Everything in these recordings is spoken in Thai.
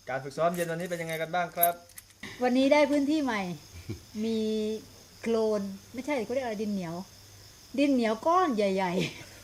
การฝึกซ้อมเย็นวันนี้เป็นยังไงกันบ้างครับวันนี้ได้พื้นที่ใหม่ มีโคลนไม่ใช่เขาเรียกอะไรดินเหนียว ดินเหนียวก้อนใหญ่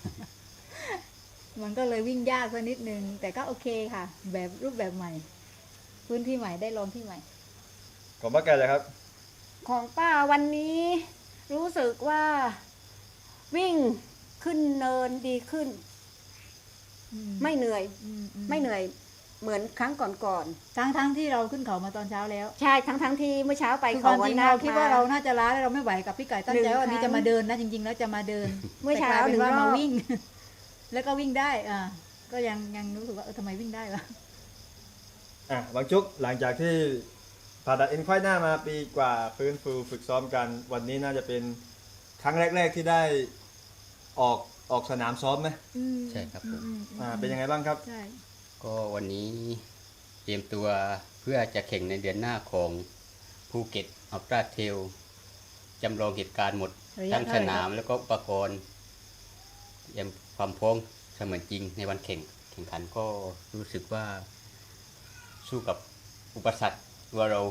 ๆ มันก็เลยวิ่งยากสักนิดนึงแต่ก็โอเคค่ะ แบบรูปแบบใหม่ พื้นที่ใหม่ได้ลองที่ใหม่ของป้าแกเลยครับของป้าวันนี้รู้สึกว่าวิ่งขึ้นเนินดีขึ้น ไม่เหนื่อย ไม่เหนื่อยเหมือนครั้งก่อนทั้งที่เราขึ้นเขามาตอนเช้าแล้วๆใช่ทั้งที่เมื่อเช้าไปคือคเขาวามวัจนริงนาเราคคิดมาว่าเราน่าจะล้าแล้วเราไม่ไหวกับพี่ไก่ตั้งใจว่าวันนี้จะมาเดินนะจริงๆแล้วจะมาเดินเมื่อเช้าแต่กลยเป็นว่า 1 รอบมาวิ่ง แล้วก็วิ่งได้ก็ยังรู้สึกว่าทำไมวิ่งได้วะบางจุกหลังจากที่ผ่าตัดเอ็นไขว้หน้ามาปีกว่าฟื้นฟูฝึกซ้อมกันวันนี้น่าจะเป็นครั้งแรกๆที่ได้ออกสนามซ้อมไหมใช่ครับผมเป็นยังไงบ้างครับใช่ก็วันนี้เตรียมตัวเพื่อจะแข่งในเดือนหน้าของภูเก็ตอัลตร้าเทลจำลองเหตุการณ์หมดระยะทั้งเท่าสไหร่นาคมรับแล้วก็อุปกรณ์เตรียมความพร้อมเสมือนจริงในวันแข่งขันก็รู้สึกว่าสู้กับอุปสรรคว่าเรา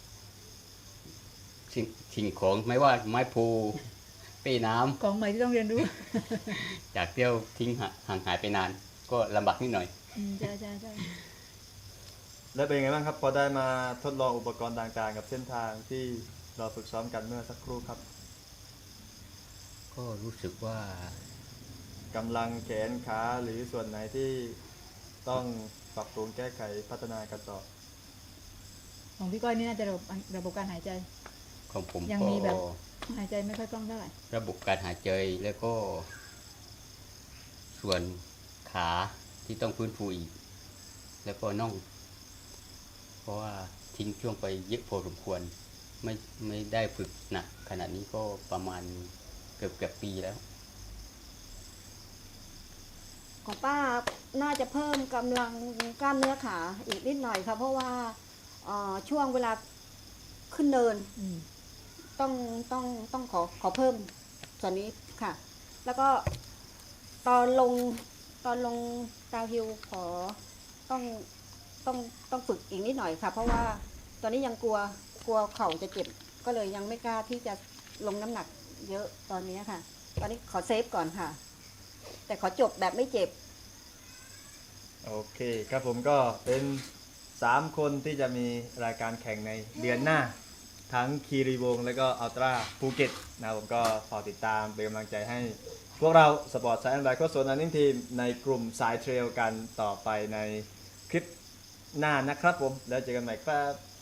สิ่งของไม่ว่าไม้พูเป้น้ำของใหม่ที่ต้องเรียนรู้จากเที่ยวทิ้งห่างหายไปนาน ก็ลำบากนิดหน่อยใช่ใช่แล้วเป็นยังไงบ้างครับพอได้มาทดลองอุปกรณ์ต่างๆกับเส้นทางที่เราฝึกซ้อมกันเมื่อสักครู่ครับก็รู้สึกว่ากำลังแขนขาหรือส่วนไหนที่ต้องปรับปรุงแก้ไขพัฒนากันต่อของพี่ก้อยนี่น่าจะระบบการหายใจของผมยังก็มีแบบ หายใจไม่ค่อยคล่องเท่าไหร่ระบบการหายใจแล้วก็ ส่วนขาที่ต้องฟื้นฟูอีก แล้วก็น่อง เพราะว่าทิ้งช่วงไปเยอะพอสมควร ไม่ได้ฝึกหนักขนาดนี้ก็ประมาณเกือบปีแล้วของป้าน่าจะเพิ่มกำลังกล้ามเนื้อขาอีกนิดหน่อยค่ะเพราะว่าช่วงเวลาขึ้นเนิน ต้องขอเพิ่มส่วนนี้ค่ะ แล้วก็ตอนลงดาวฮิลขอต้องฝึกอีกนิดหน่อยค่ะ เพราะว่าตอนนี้ยังกลัวเข่าจะเจ็บก็เลยยังไม่กล้าที่จะลงน้ำหนักเยอะตอนนี้ค่ะ ตอนนี้ขอเซฟก่อนค่ะ แต่ขอจบแบบไม่เจ็บโอเคครับผมก็เป็น 3 คนที่จะมีรายการแข่งในเดือนหน้า ทั้งคีรีวงศ์และก็อัลตร้าภูเก็ตนะครับผมก็ฝากติดตามเป็นกำลังใจให้พวกเราสปอร์ตไซแอนด์ไบค์โค้ชโซนอันนิ่งทีมในกลุ่มสายเทรลกันต่อไปในคลิปหน้านะครับผมแล้วเจอกันใหม่ครับ